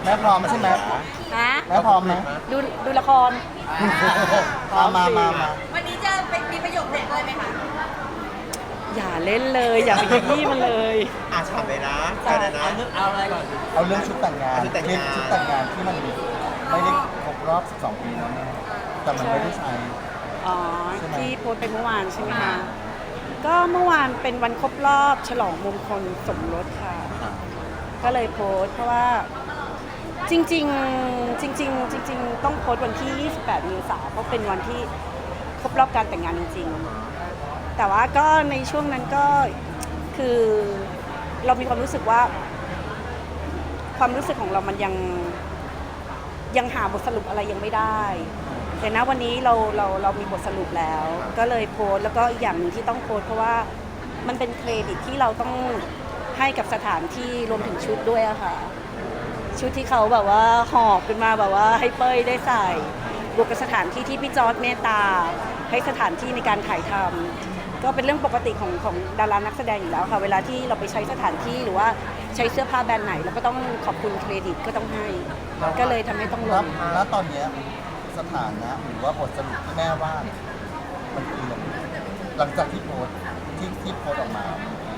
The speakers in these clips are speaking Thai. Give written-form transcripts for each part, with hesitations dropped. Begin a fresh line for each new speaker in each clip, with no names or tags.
ม่พร้อมใช่ไหม
ฮะ
แม่พร้อมไหม
ดูละคร
มา
วันนี้จะเป็นมีประโยคเด็ดเลยไหมคะ
อย่าเล่นเลย อย่าไปขยี้มันเลย
ฉ่ำเลยนะใช่เลยนะเอาอะไรก่อน
เอาเรื่องชุดแต่งงาน
ชุดแต่งงาน
ชุดแต่งงานที่มันไม่ได้ครบรอบ 12 ปีแล้วแม่แต่มันไม่ได้ใช้
อ๋อ
ใช่ไหม
ที่โพสต์ไปเมื่อวานใช่ไหมคะ ก็เมื่อวานเป็นวันครบรอบฉลองมงคลสมรสค่ะ ก็เลยโพสต์เพราะว่าจริงๆต้องโพสต์วันที่ 28 เมษายนเพราะเป็นวันที่ครบรอบการแต่งงานจริงๆ แต่ว่าก็ในช่วงนั้นก็คือเรามีความรู้สึกว่าความรู้สึกของเรามันยังหาบทสรุปอะไรยังไม่ได้ แต่ณวันนี้เรามีบทสรุปแล้ว ก็เลยโพสต์แล้วก็อีกอย่างหนึ่งที่ต้องโพสต์เพราะว่ามันเป็นเครดิตที่เราต้องให้กับสถานที่รวมถึงชุดด้วยอะค่ะ ชุดที่เขาแบบว่าหอบขึ้นมาแบบว่าให้เป้ยได้ใส่บวกกับสถานที่ที่พี่จอร์จเมตตาให้สถานที่ในการถ่ายทำก็เป็นเรื่องปกติของดารานักแสดงอยู่แล้วค่ะเวลาที่เราไปใช้สถานที่หรือว่าใช้เสื้อผ้าแบรนด์ไหนเราก็ต้องขอบคุณเครดิตก็ต้องให้ก็เลยทำให้ต้องลง
แล้วตอนเนี้ยสถานะหรือว่าบทสรุปที่แม่ว่าเนี่ยมันคืออะไรหลังจากที่โพสต์ที่โพสต์ออกมา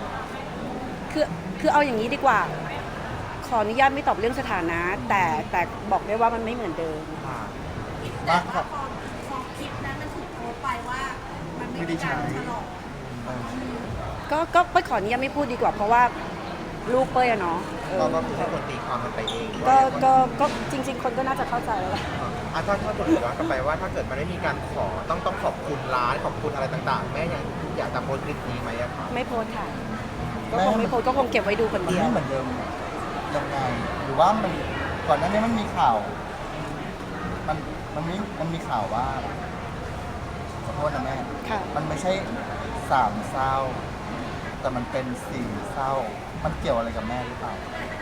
คือเอาอย่างนี้ดีกว่า ขออนุญาตไม่ตอบเรื่องสถานะ แต่บอกได้ว่ามันไม่เหมือนเดิม
แต่ว่าพอคลิปนั้นมันถูกโพสต์ไปว่ามันไม่มีการฉลอง
ก็เป้ยขออนุญาตไม่พูดดีกว่า เพราะว่าลูกเป้ยอะเนาะ
เราก็คือให้คนตีความมันไปเอง
ก็จริง ๆ คนก็น่าจะเข้าใจแล้วแหละ
ถ้าผมย้อนกลับไปว่าถ้าเกิดมันไม่มีการขอต้องขอบคุณร้านขอบคุณอะไรต่างๆ แม่ยังอยากจะโพสต์คลิปนี้ไหมอะครับ
ไม่โพสต์ค่ะ ก็คงไม่โพสต์ก็คงเก็บไว้ดูคน
มัน
เดียว
ไม่เหมือนเดิมยังไงหรือว่ามันก่อนหน้านี้มันมีข่าว มันมีข่าวว่าขอโทษนะแม่
ค่ะ
มันไม่ใช่3 เศร้า แต่มันเป็น4 เศร้า มันเกี่ยวอะไรกับแม่หรือเปล่า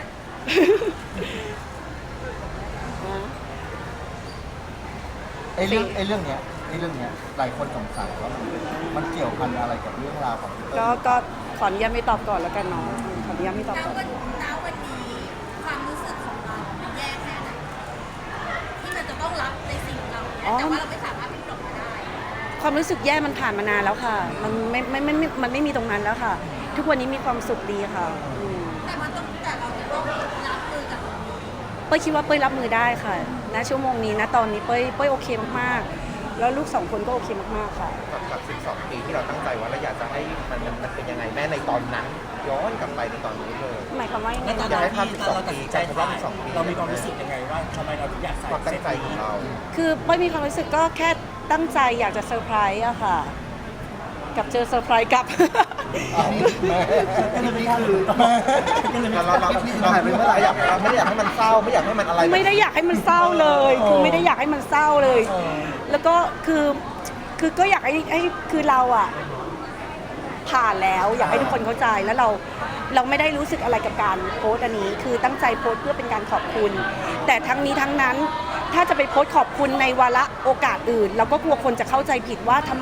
ไอ้เรื่องเนี้ยหลายคนสงสัยว่ามันเกี่ยวพันอะไรกับเรื่องราวของพี่เติ้ล
ก็ขออนุญาตไม่ตอบก่อนแล้วกันเนาะขออนุญาตไม่ตอบ
ณ
ก่อน
วันนี้ความรู้สึกของเรามันแย่แค่ไหนที่มันจะต้องรับในสิ่งเหล่านี้แต่ว่าเราไม่สามารถพิจารณาได้
ความรู้สึกแย่มันผ่านมานานแล้วค่ะ มันไม่มีตรงนั้นแล้วค่ะ ทุกวันนี้มีความสุขดีค่ะ
แต่เราจะต้องรับมือกับตรงนี้
เป้ยคิดว่าเป้ยรับมือได้ค่ะณชั่วโมงนี้นะตอนนี้เป้ยโอเคมากๆแล้วลูก2 คนก็โอเคมากๆค่ะ
กับ12 ปีที่เราตั้งใจว่าเราอยากจะให้มันเป็นยังไงแม่ในตอนนั้น ย้อนกลับไปในตอนนี้เลย
หมายความว่ายังไง
อยากให้ภาพ12 ปีจากครบรอบ12 ปี
เรามีความรู้สึกยังไงว่าทำไมเราถึงอยากใส่
ความตั้งใจของเรา
คือเป้ยมีความรู้สึกก็แค่ตั้งใจอยากจะเซอร์ไพรส์อะค่ะ กับเจอเซอร์ไพรส์กับ
ก็เลยไม่กล้าลืม
เราไม่อยากให้มันเศร้าไม่อยากให้มันอะไร
ไม่ได้อยากให้มันเศร้าเลยคือไม่ได้อยากให้มันเศร้าเลย แล้วก็คือก็อยากให้คือเราอะผ่านแล้วอยากให้ทุกคนเข้าใจแล้วเราไม่ได้รู้สึกอะไรกับการโพสต์อันนี้คือตั้งใจโพสต์เพื่อเป็นการขอบคุณ แต่ทั้งนี้ทั้งนั้นถ้าจะไปโพสต์ขอบคุณในวาระโอกาสอื่น เราก็กลัวคนจะเข้าใจผิดว่าทำไม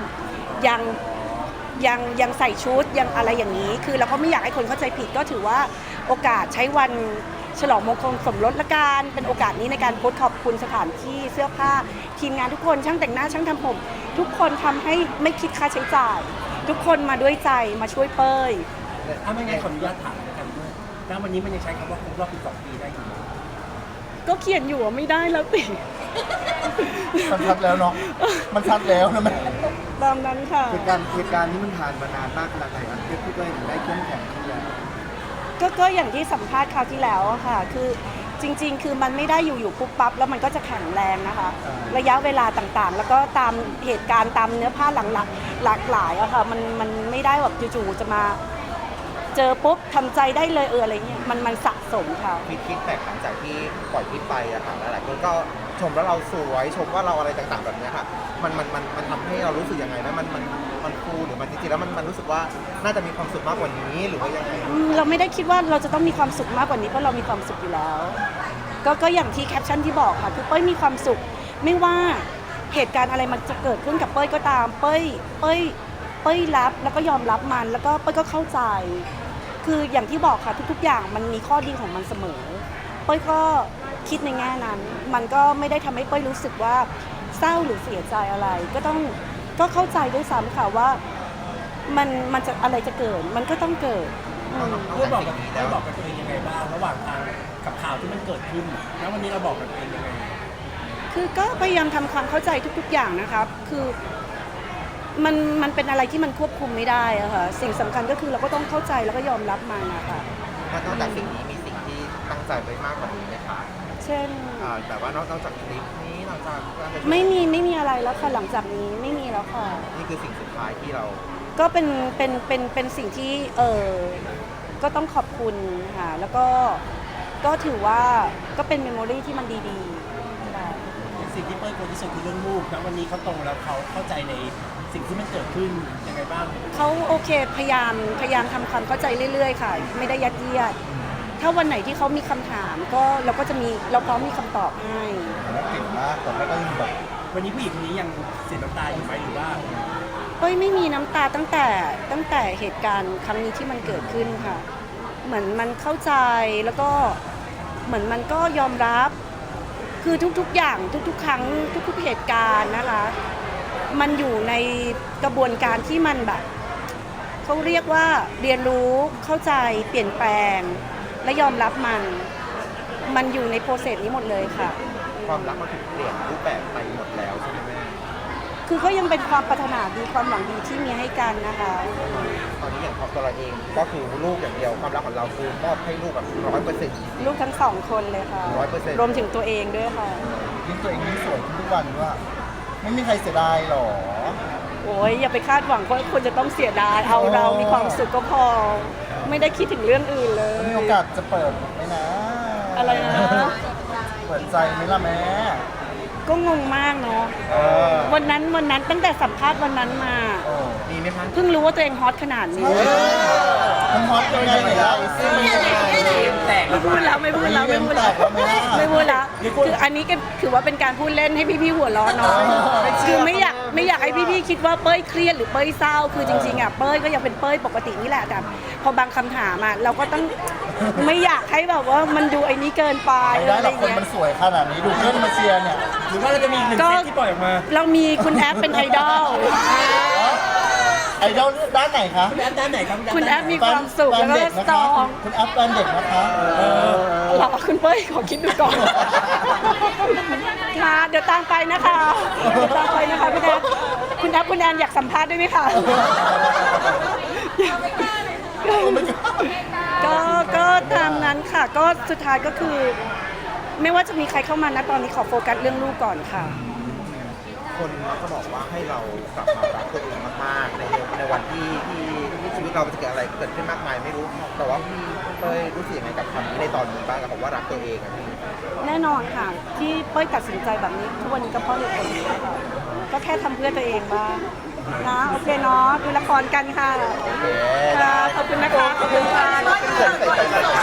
ยังใส่ชุดยังอะไรอย่างนี้ คือเราก็ไม่อยากให้คนเข้าใจผิดก็ถือว่าโอกาสใช้วันฉลองมงคลสมรสละกันเป็นโอกาสนี้ในการโพสต์ขอบคุณสถานที่เสื้อผ้าทีมงานทุกคนช่างแต่งหน้าช่างทำผมทุกคนทำให้ไม่คิดค่าใช้จ่าย ทุกคนมาด้วยใจมาช่วยเป้ย
ถ้าไม่งั้นขออนุญาตถามกันด้วยณวันนี้มันยังใช้คำว่าครบรอบ12 ปีได้อยู่ไหม
ก็เขียนอยู่ว่าไม่ได้แล้วติ
มันชัดแล้วเนาะมันชัดแล้วนะแม่
ตามนั้นค่ะ
เหตุการณ์นี้มันผ่านมานานมากขนาดไหนครับพี่เต้ยถึงได้เข้มแข็งขึ้นแล้ว
ก็อย่างที่สัมภาษณ์คราวที่แล้วอะค่ะ คือจริง ๆ คือมันไม่ได้อยู่ปุ๊บปั๊บแล้วมันก็จะแข็งแรงนะคะ ระยะเวลาต่างๆ แล้วก็ตามเหตุการณ์ตามเนื้อผ้าหลากหลายอะค่ะมันไม่ได้แบบจู่ๆจะมา เจอปุ๊บทำใจได้เลยอะไรเงี้ยมันสะสมค่ะ
คิดแตกหลังจากที่ปล่อยคลิปไปอะค่ะหลายๆคนก็ชมว่าเราสวยชมว่าเราอะไรต่างๆแบบเนี้ยค่ะมันทำให้เรารู้สึกยังไงนะมันฟูหรือมันจริงๆแล้วมันรู้สึกว่าน่าจะมีความสุขมากกว่านี้หรือว่ายังไง
เราไม่ได้คิดว่าเราจะต้องมีความสุขมากกว่านี้เพราะเรามีความสุขอยู่แล้ว ก็อย่างที่แคปชั่นที่บอกค่ะคือเป้ยมีความสุขไม่ว่าเหตุการณ์อะไรมันจะเกิดขึ้นกับเป้ยก็ตามเป้ยรับแล้วก็ยอมรับมันแล้วก็เป้ยก็เข้าใจ คืออย่างที่บอกค่ะทุกๆอย่างมันมีข้อดีของมันเสมอเป้ยก็คิดในแง่นั้น มันก็ไม่ได้ทำให้เป้ยรู้สึกว่าเศร้าหรือเสียใจอะไร ก็เข้าใจด้วยซ้ำค่ะว่ามันจะอะไรจะเกิดมันก็ต้องเกิด
เพื่อบอกกับตัวเองยังไงบ้างระหว่างทางกับข่าวที่มันเกิดขึ้นแล้ววันนี้เราบอกกับตัวเองยังไง
คือก็พยายามทำความเข้าใจทุกๆอย่างนะครับ คือมันเป็นอะไรที่มันควบคุมไม่ได้อะค่ะ สิ่งสำคัญก็คือเราก็ต้องเข้าใจแล้วก็ยอมรับมันนะคะ
นอกจากสิ่งนี้มีสิ่งที่ตั้งใจไว้มากกว่านี้ไหมคะ
เช่น
แต่ว่านอกจากคลิปนี้นอกจาก
ไม่มีอะไรแล้วค่ะหลังจากนี้ไม่มีแล้วค่ะ
นี่คือสิ่งสุดท้ายที่เรา
ก็เป็นสิ่งที่ก็ต้องขอบคุณค่ะแล้วก็ถือว่าก็เป็นเมมโมรีที่มันดีๆค่ะ
สิ่งที่เป้ยกลัวที่สุดคือเรื่องลูกนะวันนี้เขาโตแล้วเขาเข้าใจในสิ่งที่มันเกิดขึ้นยังไงบ้าง
เขาโอเคพยายามทำความเข้าใจเรื่อยๆค่ะ ไม่ได้ยัดเยียด ถ้าวันไหนที่เขามีคำถามก็เราก็จะมีเราพร้อมมีคำตอบให้
แล้วเก่งมากแต่ไม่ก็ยังแบบ
วันนี้ผู้หญิงคนนี้ยังเสียน้ำตาอยู่ไหมหรือว่า
เป้ยไม่มีน้ำตาตั้งแต่เหตุการณ์ครั้งนี้ที่มันเกิดขึ้นค่ะ เหมือนมันเข้าใจแล้วก็เหมือนมันก็ยอมรับ คือทุกๆอย่างทุกๆครั้งทุกๆเหตุการณ์นะคะ มันอยู่ในกระบวนการที่มันแบบเขาเรียกว่าเรียนรู้เข้าใจเปลี่ยนแปลงและยอมรับมันอยู่ในโปรเซสนี้หมดเลยค่ะ
ความรักมันถูกเปลี่ยนรูปแบบไปหมดแล้วใช่ไหมแม่
คือก็ยังเป็นความปรารถนาดีความหวังดีที่มีให้กันนะคะ
ตอนนี้อย่างของตัวเราเองก็คือลูกอย่างเดียวความรักของเราคือมอบให้ลูกแบบ100%
ลูกทั้งสองคนเลยค่ะ
100%
รวมถึงตัวเองด้วยค่ะ
ยิ่งตัวเองยิ่งสวยขึ้นทุกวันว่า ไม่มีใครเสียดายหรอ
โอ้ยอย่าไปคาดหวังว่าคนจะต้องเสียดายเอาเรามีความสุขก็พอ ไม่ได้คิดถึงเรื่องอื่นเลย
มีโอกาสจะเปิดไหมนะ
อะไรนะ
เปิดใจไหมล่ะแม่
ก็งงมากเนาะ
เออ
วันนั้นตั้งแต่สัมภาษณ์วันนั้นมา
โอ้
มีไหมคะ
เพิ่งรู้ว่าตัวเองฮอตขนาดนี้
มันฮอตยังไงเนี่ยเราซิมันยังไง
แตก
ไม่พูดแล้วไม่พูดแล้วไม่พูดแล้วไม่พูดแล้วคืออันนี้ก็ถือว่าเป็นการพูดเล่นให้พี่ๆหัวเราะเนาะคือไม่อยากให้พี่ๆคิดว่าเป้ยเครียดหรือเป้ยเศร้าคือจริงๆอ่ะเป้ยก็ยังเป็นเป้ยปกตินี่แหละแต่พอบางคำถามอ่ะเราก็ต้องไม่อยากให้แบบว่ามันดูไอ้นี้เกินไป
ไม่ได้
อะ
หร
ไร
อกคน
เงี้ย
มันสวยขนาดนี้ดูเพื่อนมาเชียร์เนี่ย
หรือว่าเราจะมีอีกหนึ่งเซตที่ปล่อยออกมา
เรามีคุณแอปเป็นไอดอล
ไอดอลด้านไหนคะ
คุณแอปด้านไหนครับ
คุณแอปมีความสุขแล้วก็สตรอง
คุณแอปแฟนเด็กนะคะ
หรอคุณเป้ยขอคิดดูก่อนค่ะเดี๋ยวตามไปนะคะเดี๋ยวตามไปนะคะพี่แอปคุณแอปคุณแอนอยากสัมภาษณ์ด้วยไหมคะก็ตามนั้นค่ะ ก็สุดท้ายก็คือ ไม่ว่าจะมีใครเข้ามานะตอนนี้ขอโฟกัสเรื่องลูกก่อนค่ะ
คนก็บอกว่าให้เรากลับมารักตัวเองมากๆในวันที่ชีวิตเราจะเกิดอะไรเกิดขึ้นมากมายไม่รู้ แต่ว่าพี่เป้ยรู้สึกยังไงกับคำนี้ในตอนนี้บ้างกับคำว่ารักตัวเองอะพี่
แน่นอนค่ะ ที่เป้ยตัดสินใจแบบนี้ทุกวันนี้ก็เพราะเหตุผลนี้ค่ะก็แค่ทำเพื่อตัวเองบ้างนะโอเคเนาะดูละครกันค่ะ
โอเค
ค่ะขอบคุณนะคะขอบคุณค่ะ